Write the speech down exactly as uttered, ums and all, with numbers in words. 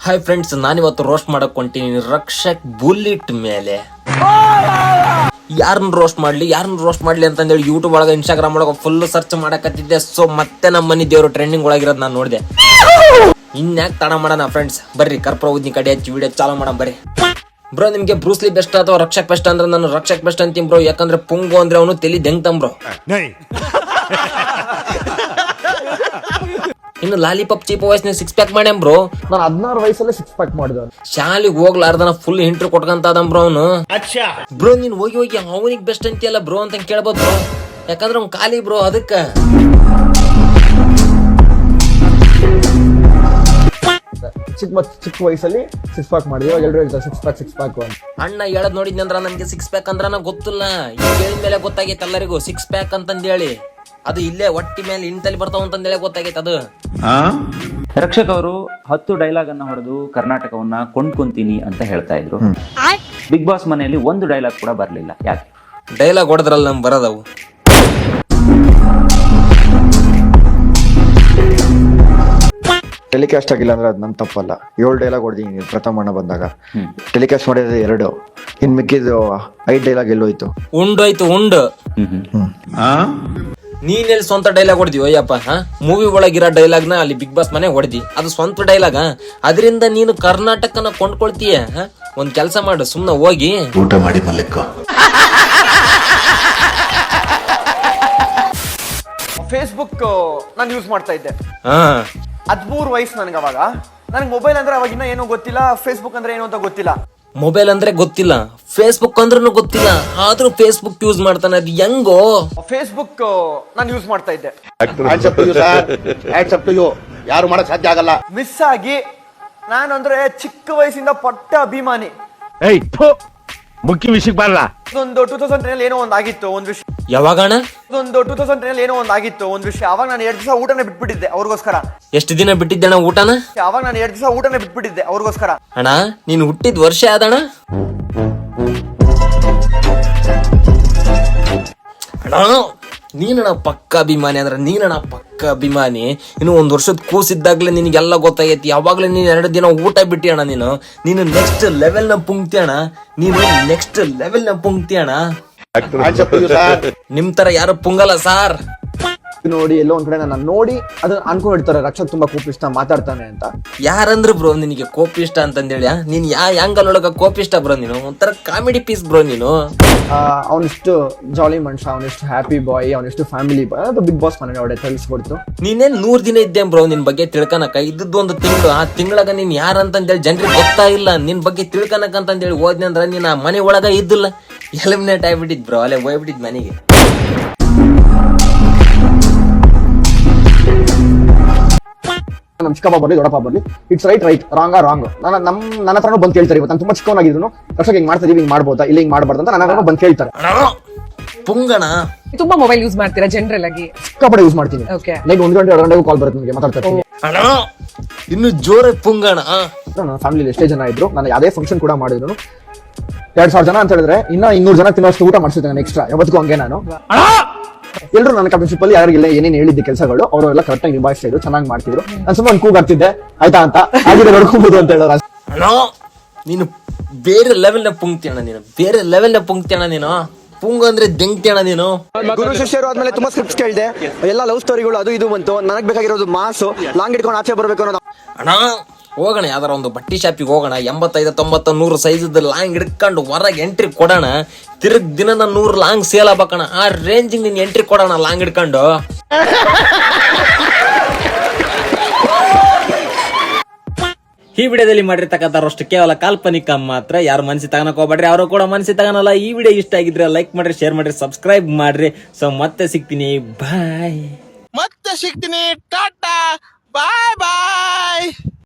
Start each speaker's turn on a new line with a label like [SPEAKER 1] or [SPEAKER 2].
[SPEAKER 1] Hi friends, ನಾನಿವತ್ತು roast ಮಾಡಕ್ ಹೊಂಟೀನಿ ರಕ್ಷಕ್ ಬುಲ್ಲಿಟ್ ಮೇಲೆ. ಯಾರನ್ನ ರೋಸ್ಟ್ ಮಾಡ್ಲಿ ಯಾರನ್ನ ರೋಸ್ಟ್ ಮಾಡ್ಲಿ ಅಂತಂದೇಳಿ ಯೂಟ್ಯೂಬ್ ಒಳಗೆ ಇನ್ಸ್ಟಾಗ್ರಾಮ್ ಒಳಗೆ ಫುಲ್ ಸರ್ಚ್ ಮಾಡಕತ್ತಿದ್ದೆ. ಸೊ ಮತ್ತೆ ನಮ್ಮ ಮನಿ ದೇವರು ಟ್ರೆಂಡಿಂಗ್ ಒಳಗಿರೋದು ನಾನು ನೋಡಿದೆ. ಇನ್ಯಾಕ್ ತಡ ಮಾಡೋಣ ಫ್ರೆಂಡ್ಸ್, ಬರ್ರಿ ಕರ್ಪುರ ಉದ್ನಿ ಕಡೆ ಹಚ್ಚಿ ವಿಡಿಯೋ ಚಾಲೂ ಮಾಡೋಣ ಬರ್ರಿ. ಬ್ರೋ, ನಿಮ್ಗೆ ಬ್ರೂಸ್ಲಿ ಬೆಸ್ಟ್ ಅಥವಾ ರಕ್ಷಕ್ ಬೆಸ್ಟ್ ಅಂದ್ರೆ ನಾನು ರಕ್ಷಕ್ ಬೆಸ್ಟ್ ಅಂತೀನಿ ಬ್ರೋ. ಯಾಕಂದ್ರೆ ಪುಂಗು ಅಂದ್ರೆ ಅವನು ತಲಿ ದೆಂಗ್ತಂ ಬ್ರೋ. ಇನ್ನು ಲಾಲಿಪಾಪ್ ಚೀಪ್ ವಯಸ್ಸಿನ ಸಿಕ್ಸ್ ಪ್ಯಾಕ್ ಮಾಡ್ಯಾಂ ಬ್ರೋ.
[SPEAKER 2] ನಾನು ಹದಿನಾರು ವಯಸ್ಸಲ್ಲೇ ಸಿಕ್ಸ್ ಪ್ಯಾಕ್ ಮಾಡಿದ.
[SPEAKER 1] ಶಾಲಿಗೆ ಹೋಗ್ಲಾರ್ದನ ಫುಲ್ ಇಂಟ್ರು ಕೊಟ್ಕಂತ ಬ್ರೋ ಅವನು. ಬ್ರೋ ನೀನ್ ಹೋಗಿ ಹೋಗಿ ಅವನಿಗೆ ಬೆಸ್ಟ್ ಅಂತೀಯಲ್ಲ ಬ್ರೋ ಅಂತ ಕೇಳ್ಬೋದು ಬ್ರೋ. ಯಾಕಂದ್ರೆ ಅವ್ನು ಖಾಲಿ ಬ್ರೋ. ಅದಕ್ಕ
[SPEAKER 2] ಚಿಕ್ಕ ಮತ್ ಚಿಕ್ಕ ವಯಸ್ಸಲ್ಲಿ ಸಿಕ್ಸ್ ಪ್ಯಾಕ್ ಮಾಡಿದ್ವಿ. ಇವಾಗ ಎಲ್ಲರೂ ಹೇಳ್ತಾರೆ ಸಿಕ್ಸ್ ಪ್ಯಾಕ್ ಸಿಕ್ಸ್ ಪ್ಯಾಕ್ ಅಂತ.
[SPEAKER 1] ಅಣ್ಣ ಹೇಳದ್ ನೋಡಿದ್ನಂದ್ರ ನನ್ಗೆ ಸಿಕ್ಸ್ ಪ್ಯಾಕ್ ಅಂದ್ರ ಗೊತ್ತಿಲ್ಲ. ಈಗ ಹೇಳಿದ ಮೇಲೆ ಗೊತ್ತಾಗೈತೆ ಎಲ್ಲರಿಗೂ ಸಿಕ್ಸ್ ಪ್ಯಾಕ್ ಅಂತಂದೇಳಿ. ಅದು ಇಲ್ಲೇ ಒಟ್ಟಿ ಮೇಲೆ ಇಂತಲ್ಲಿ ಬರ್ತಾವ ಅಂತಂದೇಳಿ ಗೊತ್ತಾಗೈತೆ ಅದು.
[SPEAKER 3] ರಕ್ಷಕ್ ಅವರು ಹತ್ತು ಡೈಲಾಗ್ ಅನ್ನ ಹೊಡೆದು ಕರ್ನಾಟಕವನ್ನ ಕೊಂಡ್ಕೊಂತೀನಿ ಅಂತ ಹೇಳ್ತಾ ಇದ್ರು. ಬಿಗ್ ಬಾಸ್ ಮನೆಯಲ್ಲಿ ಒಂದು ಡೈಲಾಗ್ ಕೂಡ ಬರ್ಲಿಲ್ಲ. ಯಾಕೆ?
[SPEAKER 1] ಡೈಲಾಗ್ ಹೊಡೆದ್ರಲ್ಲ ನಮ್ ಬರೋದವು.
[SPEAKER 2] ಟೆಲಿಕಾಸ್ಟ್ ಆಗಿಲ್ಲ ಅಂದ್ರೆ ಅದು ನನ್ ತಪ್ಪಲ್ಲ. ಏಳು ಡೈಲಾಗ್ ಹೊಡೆದಿದ್ದೀನಿ ಪ್ರಥಮ ಬಂದಾಗ. ಟೆಲಿಕಾಸ್ಟ್ ಮಾಡಿದ್ರೆ ಎರಡು, ಇನ್ ಮಿಕ್ಕಿದ್ದು ಐದ್ ಡೈಲಾಗ್ ಎಲ್ಲೋಯ್ತು.
[SPEAKER 1] ಉಂಡೋಯ್ತು ಉಂಡು. ನೀನೆಲ್ಲಿ ಸ್ವಂತ ಡೈಲಾಗ್ ಹೊಡೆದಿವ ಅಯ್ಯಪ್ಪ? ಮೂವಿ ಒಳಗಿರೋ ಡೈಲಾಗ್ ನ ಅಲ್ಲಿ ಬಿಗ್ ಬಾಸ್ ಮನೆ ಹೊಡೆದಿ. ಅದು ಸ್ವಂತ ಡೈಲಾಗ. ಅದರಿಂದ ನೀನು ಕರ್ನಾಟಕನ ಕೊಂಡ್ಕೊಳ್ತೀಯ. ಒಂದ್ ಕೆಲ್ಸ ಮಾಡು, ಸುಮ್ನೆ ಹೋಗಿ
[SPEAKER 4] ಊಟ ಮಾಡಿ ಮಲ್ಲಿಕ.
[SPEAKER 5] ಫೇಸ್ಬುಕ್ ನಾನು ಯೂಸ್ ಮಾಡ್ತಾ ಇದ್ದೆ.
[SPEAKER 1] ಹಾ
[SPEAKER 5] ಹದಿಮೂರು ವಯಸ್ಸು ನನಗೆ. ಅವಾಗ ನನಗೆ ಮೊಬೈಲ್ ಅಂದ್ರೆ ಅವಾಗ ಇನ್ನ ಏನೋ ಗೊತ್ತಿಲ್ಲ, ಫೇಸ್ಬುಕ್ ಅಂದ್ರೆ ಏನು ಅಂತ ಗೊತ್ತಿಲ್ಲ.
[SPEAKER 1] ಮೊಬೈಲ್ ಅಂದ್ರೆ ಗೊತ್ತಿಲ್ಲ, ಫೇಸ್ಬುಕ್ ಅಂದ್ರೂ ಗೊತ್ತಿಲ್ಲ, ಆದ್ರೂ ಫೇಸ್ಬುಕ್ ಯೂಸ್ ಮಾಡ್ತಾನೆ. ಅದು ಹೆಂಗೋ?
[SPEAKER 5] ಫೇಸ್ಬುಕ್ ನಾನು ಯೂಸ್ ಮಾಡ್ತಾ ಇದ್ದೆ.
[SPEAKER 4] ಯಾರು ಮಾಡಕ್ ಸಾಧ್ಯ ಆಗಲ್ಲ.
[SPEAKER 5] ಮಿಸ್ ಆಗಿ ನಾನು ಅಂದ್ರೆ ಚಿಕ್ಕ ವಯಸ್ಸಿಂದ ಪಟ್ಟ ಅಭಿಮಾನಿ.
[SPEAKER 6] ಮುಖ್ಯ ವಿಷಯಕ್ಕೆ ಬರಲ್ಲ.
[SPEAKER 5] ಒಂದು ಟೂ ತೌಸಂಡ್ ಟೆನ್ ಏನೋ ಒಂದ್ ಆಗಿತ್ತು ಒಂದ್ ವಿಷಯ.
[SPEAKER 1] ಯಾವಾಗಣ?
[SPEAKER 5] ಒಂದು ಟೂ ತೌಸಂಡ್ ಟೆನ್ ಏನೋ ಒಂದ್ ಆಗಿತ್ತು ಒಂದ್ ವಿಷಯ. ಅವಾಗ ನಾನು ಎರಡ್ ದಿವಸ ಊಟನೇ ಬಿಟ್ಬಿಟ್ಟಿದ್ದೆ ಅವ್ರಿಗೋಸ್ಕರ.
[SPEAKER 1] ಎಷ್ಟು ದಿನ ಬಿಟ್ಟಿದ್ದಣ ಊಟನ?
[SPEAKER 5] ಅವಾಗ ನಾನು ಎರಡ್ ದಿವಸ ಊಟನೇ ಬಿಟ್ಬಿಟ್ಟಿದ್ದೆ ಅವ್ರಿಗೋಸ್ಕರ.
[SPEAKER 1] ಅಣ್ಣ ನೀನ್ ಹುಟ್ಟಿದ ವರ್ಷ ಆದಣ? ಅಣ್ಣ ನೀನಣ್ಣ ಪಕ್ಕ ಅಭಿಮಾನಿ ಅಂದ್ರೆ ನೀನಣ್ಣ ಪಕ್ಕ ಅಭಿಮಾನಿ. ಇನ್ನು ಒಂದ್ ವರ್ಷದ ಕೂಸಿದ್ದಾಗ್ಲೇ ನಿನಗೆಲ್ಲ ಗೊತ್ತಾಗೈತಿ. ಯಾವಾಗ್ಲೇ ನೀನ್ ಎರಡು ದಿನ ಊಟ ಬಿಟ್ಟಿ ಅಣ್ಣ. ನೀನು ನೀನು ನೆಕ್ಸ್ಟ್ ಲೆವೆಲ್ ನ ಪುಂಕ್ತಿ ಅಣ್ಣ. ನೀನು ನೆಕ್ಸ್ಟ್ ಲೆವೆಲ್ ನ ಪುಂಕ್ತಿ ಅಣ್ಣ. ನಿಮ್ ತರ ಯಾರು ಪುಂಗಲ್ಲ ಸಾರ್.
[SPEAKER 2] ನೋಡಿ ಎಲ್ಲೋ ಒಂದ್ ಕಡೆ ನನ್ನ ನೋಡಿ ಅದನ್ನ ಅನ್ಕೊಂಡಿರ್ತಾರೆ ರಕ್ಷಕ್ ತುಂಬಾ ಕೋಪಿಷ್ಟ ಮಾತಾಡ್ತಾನೆ ಅಂತ.
[SPEAKER 1] ಯಾರಂದ್ರು ಬ್ರೋ ನಿನಗೆ ಕೋಪಿಷ್ಟ ಅಂತಂದೇಳಿ? ನೀನ್ ಯಾ ಆಂಗಲ್ ಒಳಗ ಕೋಪಿಷ್ಟ ಬ್ರೋ? ನೀನು ಒಂಥರ ಕಾಮಿಡಿ ಪೀಸ್ ಬ್ರೋ ನೀನು.
[SPEAKER 2] ಅವನಿಷ್ಟು ಜಾಲಿ ಮನುಷ್ಯ, ಅವನಿಷ್ಟು ಹ್ಯಾಪಿ ಬಾಯ್, ಅವನಿಷ್ಟು ಫ್ಯಾಮಿಲಿ ಬಾಯ್. ಅದು ಬಿಗ್ ಬಾಸ್ ಮನೆ ಒಡೆ ತಿಳಿಸ್ಕೊಡ್ತು.
[SPEAKER 1] ನೀನೇನ್ ನೂರ್ ದಿನ ಇದ್ದೆ ಬ್ರೋ ನಿನ್ ಬಗ್ಗೆ ತಿಳ್ಕನಕ. ಇದ್ದದ್ದು ಒಂದು ತಿಂಗಳು. ಆ ತಿಂಗಳಾಗ ನೀನ್ ಯಾರಂತಂದೇಳಿ ಜನರಿಗೆ ಗೊತ್ತಾಗಿಲ್ಲ. ನಿನ್ ಬಗ್ಗೆ ತಿಳ್ಕನಕ ಅಂತಂದೇಳಿ ಹೋದ್ನಿ ಅಂದ್ರ ನೀನ್ ಆ ಮನೆ ಒಳಗ ಇದ್ದಿಲ್ಲ. ಎಲಿಮಿನೇಟ್ ಆಗ್ಬಿಟ್ಟಿದ್ ಬ್ರೋ. ಅಲ್ಲೇ ಹೋಗ್ಬಿಟ್ಟಿದ್ ಮನೆಗೆ.
[SPEAKER 2] ನಮ್ ಚಿಕ್ಕಪ್ಪ ಬರ್ಲಿ ದೊಡ್ಡಪ್ಪ ಬರ್ಲಿ, it's right right, wrong wrong. ನನ್ನ ನಮ್ ನನ್ನ ಹತ್ರನೂ ಬಂದು ಕೇಳ್ತಾರೆ. ಇವತ್ತು ನಾನು ತುಂಬಾ ಚಿಕ್ಕವನಾಗಿದ್ರು ರಕ್ಷಕ್ ಹಿಂಗ್ ಮಾಡ್ತಾ ಇದೀವಿ, ಹಿಂಗ್ ಮಾಡ್ಬೋದಾ ಇಲ್ಲ ಹಿಂಗ್ ಮಾಡ್ಬಾರ್ದು ಅಂತ ನನ್ನ ಹತ್ರ ಬಂದು ಕೇಳ್ತಾರೆ.
[SPEAKER 1] ಪುಂಗಣ
[SPEAKER 7] ತುಂಬಾ ಮೊಬೈಲ್ ಯೂಸ್ ಮಾಡ್ತೀರಾ ಜನರಲ್ ಆಗಿ?
[SPEAKER 2] ಸಿಕ್ಕಾಪಟ್ಟೆ ಯೂಸ್ ಮಾಡ್ತೀನಿ. ಲೈಕ್ ಒಂದ್ ಗಂಟೆ ಎರಡು ಗಂಟೆಗೂ ಕಾಲ್ ಬರುತ್ತೆ ನನಗೆ, ಮಾತಾಡ್ತಾ ಇರ್ತೀನಿ.
[SPEAKER 1] ಇನ್ನು ಜೋರ ಪುಂಗಣ.
[SPEAKER 2] ನನ್ನ ಫ್ಯಾಮಿಲಿ ಎಷ್ಟೇ ಜನ ಇದ್ರು, ನಾನು ಯಾವ್ದೇ ಫಂಕ್ಷನ್ ಕೂಡ ಮಾಡಿದ್ರು ಎರಡ್ ಸಾವಿರ ಜನ ಅಂತ ಹೇಳಿದ್ರೆ ಇನ್ನ ಇನ್ನೂರು ಜನ ತಿನ್ನೋಷ್ಟು ಊಟ ಮಾಡಿಸಿದ್ದೆ ನಾನು ಎಕ್ಸ್ಟ್ರಾ. ಯಾವತ್ತಿಗೂ ಹಂಗೆ ನಾನು. ಎಲ್ಲರೂ ನನ್ನ ಕಮಿಷನ್ ಅಲ್ಲಿ ಯಾರಿಗಿಲ್ಲ ಏನೇನು ಹೇಳಿದ್ದೆ ಕೆಲಸಗಳು ಅವರೆಲ್ಲ ಕರೆಕ್ಟ್ ಆಗಿ ನಿಭಾಯಿಸ್ತಾ ಇದ್ರು, ಚೆನ್ನಾಗಿ ಮಾಡ್ತಿದ್ರು. ನಾನು ಸುಮ್ಮನೆ ಒಂದು ಕೂಗಾಡ್ತಿದ್ದೆ, ಆಯ್ತಾ ಅಂತ ಹಾಗೆ ನೋಡ್ಕೋಬಹುದು ಅಂತ ಹೇಳೋರು.
[SPEAKER 1] ನೀನು ಬೇರೆ ಲೆವೆಲ್ ನ ಪುಂಕ್ತಿ ಅಣ್ಣ. ನೀನು ಬೇರೆ ಲೆವೆಲ್ ನ ಪುಂಕ್ತಿ ಅಣ್ಣ. ನೀನು ಪುಂಗ ಅಂದ್ರೆ ದೆಂಗ್ತಿ ಅಣ್ಣ ನೀನು.
[SPEAKER 5] ಗುರು ಶಿಷ್ಯರು ಆದ್ಮೇಲೆ ತುಂಬಾ ಸ್ಕ್ರಿಪ್ಟ್ಸ್ ಕೇಳಿದೆ, ಎಲ್ಲ ಲವ್ ಸ್ಟೋರಿಗಳು ಅದು ಇದು ಬಂತು. ನನಗ್ ಬೇಕಾಗಿರೋದು ಮಾಸು, ಲಾಂಗ್ ಇಟ್ಕೊಂಡು ಆಚೆ ಬರ್ಬೇಕು ಅನ್ನೋದು.
[SPEAKER 1] ಅಣ್ಣ ಹೋಗೋಣ ಯಾವ್ದಾರ ಒಂದು ಬಟ್ಟಿ ಶಾಪಿಗೆ ಹೋಗೋಣ. ಎಂಬತ್ತೈದು ತೊಂಬತ್ತ ನೂರು ಸೈಜ್ ಲಾಂಗ್ ಹಿಡ್ಕೊಂಡು ಹೊರಗೆ ಎಂಟ್ರಿ ಕೊಡೋಣ. ತಿರುಗ್ ದಿನದ ನೂರು ಲಾಂಗ್ ಸೇಲ್ ಆಗ್ಬೇಕಣ. ಆ ರೇಂಜಿಗೆ ನೀನ್ ಎಂಟ್ರಿ ಕೊಡೋಣ ಲಾಂಗ್ ಹಿಡ್ಕೊಂಡು. ಈ ವಿಡಿಯೋದಲ್ಲಿ ಮಾಡಿರ್ತಕ್ಕಂಥವ್ರಷ್ಟು ಕೇವಲ ಕಾಲ್ಪನಿಕ ಮಾತ್ರ. ಯಾರು ಮನಸ್ಸಿ ತಗೊಳಕ್ ಹೋಗ್ಬೇಡ್ರಿ, ಅವರು ಕೂಡ ಮನಸ್ಸಿ ತಗೊಳಲ್ಲ. ಈ ವಿಡಿಯೋ ಇಷ್ಟ ಆಗಿದ್ರೆ ಲೈಕ್ ಮಾಡ್ರಿ, ಶೇರ್ ಮಾಡ್ರಿ, ಸಬ್ಸ್ಕ್ರೈಬ್ ಮಾಡ್ರಿ. ಸೊ ಮತ್ತೆ ಸಿಗ್ತೀನಿ, ಬಾಯ್.
[SPEAKER 6] ಮತ್ತೆ ಸಿಗ್ತೀನಿ, ಟಾಟಾ, ಬಾಯ್ ಬಾಯ್.